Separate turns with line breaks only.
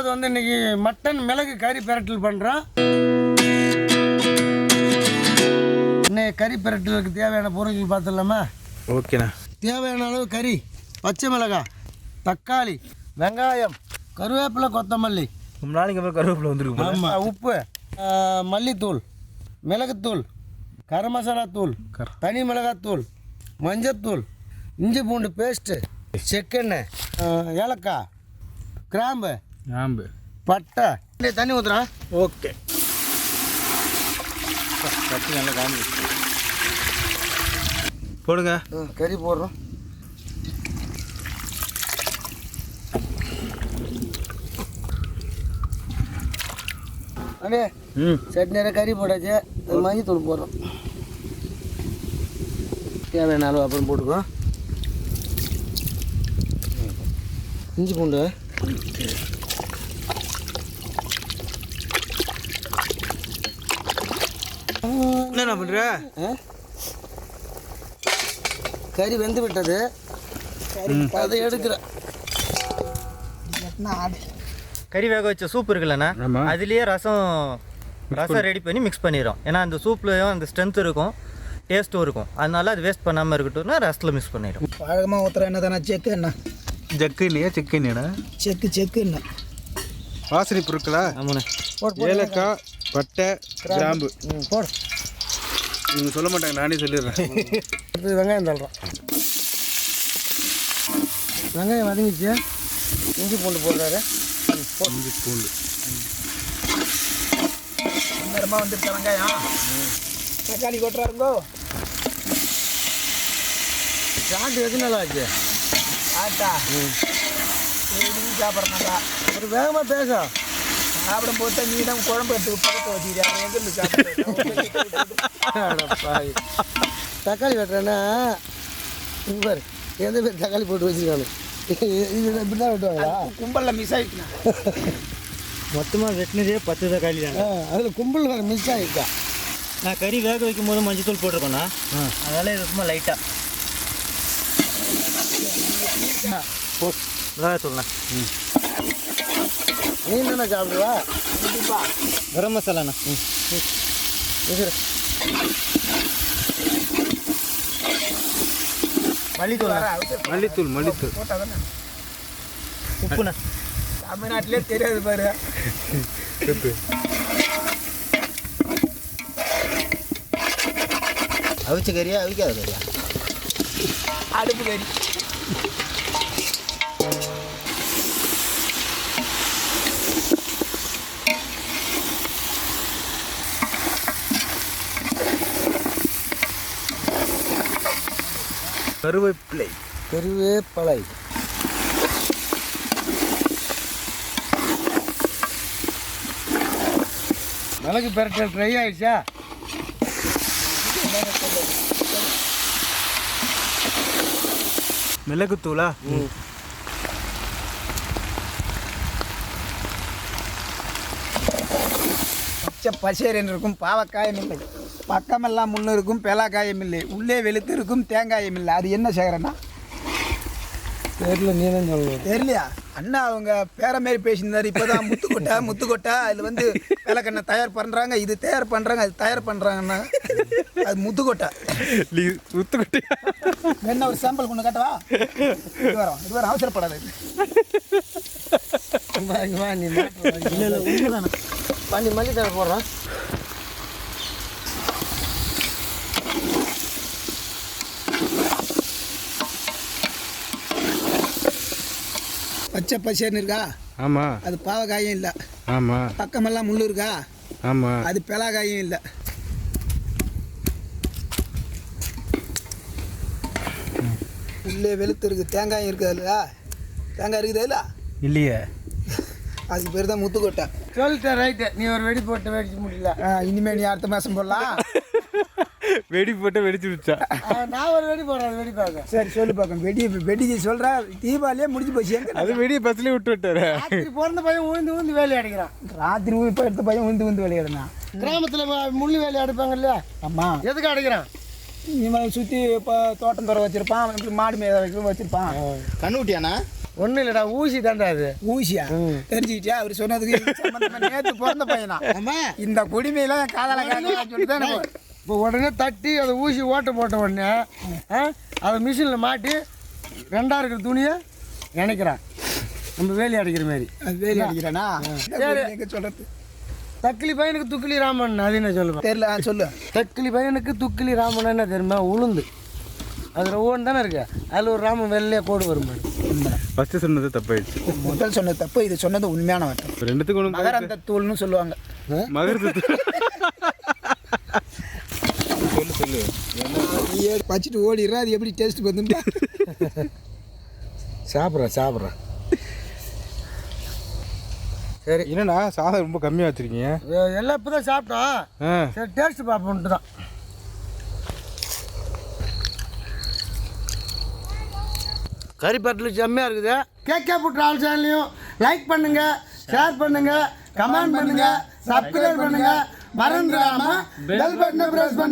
ரெண்டாவது வந்து இன்றைக்கி மட்டன் மிளகு கறி பிரட்டல் பண்ணுறோம். இன்னைக்கு கறி பிரட்டலுக்கு தேவையான பொருட்கள் பார்த்துடலாமா?
ஓகேண்ணா.
தேவையான அளவு கறி, பச்சை மிளகாய், தக்காளி, வெங்காயம், கருவேப்பிலை, கொத்தமல்லி.
ரொம்ப நாளைக்கு அப்புறம் கருவேப்பிலை வந்துருக்கு.
ஆமாம். உப்பு, மல்லித்தூள், மிளகுத்தூள், கரம் மசாலா தூள், தனி மிளகாத்தூள், மஞ்சத்தூள், இஞ்சி பூண்டு பேஸ்ட்டு, செக்கெண்ணெய், ஏலக்காய், கிராம்பு, பட்டை. தண்ணி ஊற்றுறேன்.
ஓகே. கட்டி நல்லா காமி போடுங்க.
கறி போடுறோம். அப்படியே சட்னியில் கறி போட்டாச்சு. மஞ்சள் தூள் போடுறோம். தேவையான அளவு அப்புறம் போட்டுக்கோ. இஞ்சி பூண்டு,
என்ன பண்ணுற?
கறி வெந்து விட்டது, அதை எடுக்கிறேன்.
கறி வேக வச்ச சூப் இருக்குல்லண்ணா, அதுலேயே ரசம் ரெடி பண்ணி மிக்ஸ் பண்ணிடுறோம். ஏன்னா அந்த சூப்லேயும் அந்த ஸ்ட்ரென்த் இருக்கும், டேஸ்ட்டும் இருக்கும். அதனால அது வேஸ்ட் பண்ணாமல் இருக்கட்டும்னா ரசத்தில் மிக்ஸ் பண்ணிடும்.
பழகமாக ஊற்றுற என்ன தானே செக்கு என்ன?
ஜக்கு இல்லையா? செக்கு என்னடா?
செக்கு என்ன?
வாசனை பொருட்களா?
ஆமாண்ணே.
ஏலக்காய், பட்டை, கிராம்பு
போடு.
நீங்கள் சொல்ல மாட்டாங்க, நானே சொல்லிடுறேன்.
அடுத்து வெங்காயம் தள்ளுறோம். வெங்காயம் வதங்கிச்சு. இஞ்சி பூண்டு போடுறாரு.
இஞ்சி பூண்டு
நேரமாக வந்துருக்க வெங்காயம். தக்காளி கொட்டுறாருங்கோ.
சாப்பிட்டு எது நல்லா ஆச்சு?
ஆட்டா சாப்பிட்றனாக்கா
ஒரு வேகமாக பேசும்.
சாப்பிடும் போது நீ தான் குழம்பு எடுத்து பக்கத்தை வச்சுக்கிறேன். எங்கே சாப்பிட்றேன்?
தக்காளி வெட்டுறேன்னா இவர் எந்த பேர் தக்காளி போட்டு வச்சுருக்கானு இது இப்படி தான் வெட்டுவாங்களா?
கும்பலில் மிஸ் ஆகிட்டுண்ணா.
மொத்தமாக வெட்டினதே 10 தக்காளி தானே.
அதில் கும்பல் வேறு மிஸ் ஆகிருக்கா.
நான் கறி வேக வைக்கும் போது மஞ்சள் தூள் போட்டிருக்கோண்ணா, அதனால இது சும்மா லைட்டாக மிளகாத்தூள்ண்ணா.
நீ தானே சாப்பிடுவா?
கரம் மசாலாண்ணா.
மல்லித்தூள்
போட்டால் தானே
உப்புண்ணா.
தமிழ்நாட்டிலே தெரியாது பாரு.
அவிச்ச கறியா அவிக்காத கறியா?
அடுப்பு கறி.
கருவேப்பிலை.
மிளகு பிரட்டல் ட்ரை ஆயிடுச்சா?
மிளகுத்தூளா?
பச்சேரின்னு இருக்கும், பாவக்காயம் இல்லை. பக்கமெல்லாம் முள்ளு இருக்கும், பெலாக்காயம் இல்லை. உள்ளே வெளுத்து இருக்கும், தேங்காயம் இல்லை. அது என்ன செய்கிறேன்னா
தெரியல, நீ தான் சொல்லணும்.
தெரியலையா? அண்ணா அவங்க பேர மாரி பேசியிருந்தார். இப்போ தான் முத்துக்கொட்டை அதில் வந்து விளக்கெண்ணை தயார் பண்ணுறாங்க, இது தயார் பண்ணுறாங்க, அது தயார் பண்ணுறாங்கன்னா அது முத்துக்கொட்டை. என்ன ஒரு சாம்பிள் கொண்டு காட்டவா? இது வரும் அவசரப்படாது.
வா நீ இல்லை உண்மைதானே. பண்ணி மல்லி தர போடுறான்.
பச்சை பச்சைன்னு இருக்கா?
ஆமாம்.
அது பாவக்காயும் இல்லை.
ஆமாம்.
பக்கமெல்லாம் முள்ளு இருக்கா?
ஆமாம்.
அது பெலாக்காயும் இல்லை. உள்ளே வெளுத்து இருக்குது, தேங்காயும் இருக்குது. இல்லையா? தேங்காய் இருக்குது இல்லை?
இல்லையே.
அதுக்கு பேர் தான் முத்துக்கொட்டை.
சொல்லிட்டேன், ரைட்டு. நீ ஒரு வெடி போட்டு வெடிச்சு முடியல.
இனிமேல் நீ அடுத்த மாதம் போடலாம்.
வெடி போட்டு வெடிச்சு விடுச்சா?
நான் ஒரு வெடி போடுறேன், வெடி பார்க்க.
சரி சொல்லி பார்க்கணும். வெடிச்சு சொல்கிறேன். தீபாவளியே முடிஞ்சு போச்சு.
அது வெடியை பஸ்லேயே விட்டு விட்டாரு.
ராத்திரி பிறந்த பையன் உழுந்து வேலையை அடிக்கிறான்.
ராத்திரி இப்போ எடுத்த பையன் உந்து விளையாடுனா.
கிராமத்தில் முள்ளு வேலையை அடிப்பாங்க இல்லையா?
ஆமாம்.
எதுக்கு அடிக்கிறான்?
இவன் சுற்றி இப்போ தோட்டம் துறை வச்சுருப்பான், மாடு மேய வச்சுருப்பான்.
கண்ணுட்டியாண்ணா? ஒன்றும் இல்லைடா ஊசி தாண்டா அது.
ஊசியா தெரிஞ்சுக்கிட்டியா அவர் சொன்னதுக்கு சம்பந்தமா நேற்று பிறந்த பையனா
ஆமாம்.
இந்த குடிமையெல்லாம் என் காதலை காதலாம் சொல்லி தான் எனக்கு
இப்போ உடனே தட்டி அதை ஊசி ஓட்ட போட்ட உடனே அதை மிஷினில் மாட்டி 2 இருக்கிற துணியை நினைக்கிறான் நம்ம வேலி அடிக்கிற மாதிரி.
அது வேலி அடிக்கிறேனா எங்கே சொல்கிறது
தக்கிலி பையனுக்கு துக்கிலி ராமன் அது என்ன சொல்லுவேன்
தெரியல சொல்லு.
தக்கிலி பையனுக்கு துக்கிலி ராமன் என்ன தெரியுமா? உளுந்து அதில் ஒவ்வொன்று தானே இருக்கு. அதில் ஒரு ராமன் வெள்ளையாக கோடு வரும்.
ஃபஸ்ட்டு சொன்னது தப்பாயிடுச்சு.
முதல் சொன்னது தப்பு, இது சொன்னது உண்மையான வார்த்தை.
இப்போ ரெண்டுத்துக்கும் ஒன்று
மகரந்த தூள்னு சொல்லுவாங்க.
மகரத்து சொல்லு
வச்சுட்டு ஓடிடுறா. அது எப்படி டேஸ்ட் வந்துட்டா
சாப்பிட்றேன் சரி.
என்னண்ணா சாதம் ரொம்ப கம்மியாக வச்சுருக்கீங்க?
எல்லாம் இப்போ தான் சாப்பிட்டோம். சரி டேஸ்ட் பார்ப்போன்ட்டு தான். கறி பட்டில் செம்மையாக இருக்குது. கேகே ஃபுட் ட்ராவல் சேனலையும் லைக் பண்ணுங்கள், ஷேர் பண்ணுங்கள், கமெண்ட் பண்ணுங்கள், சப்ஸ்கிரைப் பண்ணுங்கள். மறந்துடாமல் பெல் பட்டனை ப்ரெஸ் பண்ணுங்கள்.